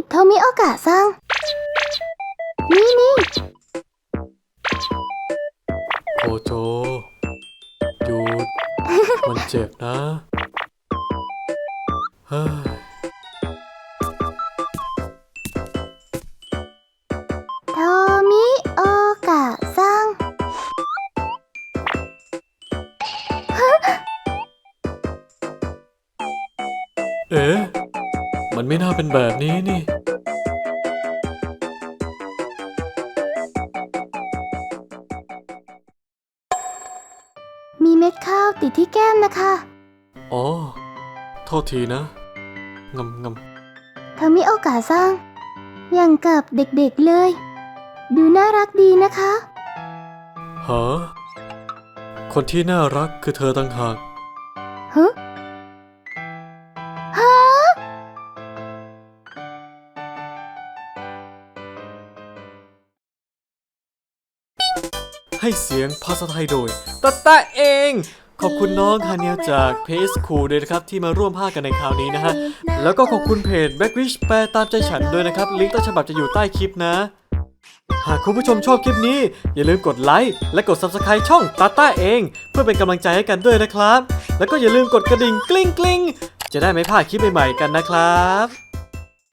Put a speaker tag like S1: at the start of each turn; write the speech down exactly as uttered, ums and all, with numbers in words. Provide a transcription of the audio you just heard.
S1: โทมิโอกะซังนี่นี่
S2: โคโจหยุด มันเจ็บนะเฮ้ย
S1: โทมิโอกะซัง
S2: เอ๊ะมันไม่น่าเป็นแบบนี้นี่
S1: มีเม็ดข้าวติดที่แก้มนะคะ
S2: อ๋อโทษทีนะงำง
S1: โทมิโอกะซังอย่างกับเด็กๆเลย ดูน่ารักดีนะคะ
S2: ำฮะคนที่น่ารักคือเธอต่างหาก
S1: ฮะฮะ
S2: ให้เสียงภาษาไทยโดยตะตะเอง ขอบคุณน้องคาเนียจากเพจคูลด้วยนะครับที่มาร่วมภาคกันในคราวนี้นะฮะแล้วก็ขอบคุณเพจ Blackwish แปลตามใจฉันด้วยนะครับลิงก์ต้นฉบับจะอยู่ใต้คลิปนะหากคุณผู้ชมชอบคลิปนี้อย่าลืมกดไลค์และกด ซับสไครบ์ ช่องตาต้าเองเพื่อเป็นกำลังใจให้กันด้วยนะครับแล้วก็อย่าลืมกดกระดิ่งกลิ้งกลิ้งจะได้ไม่พลาดคลิปใหม่ๆกันนะครับ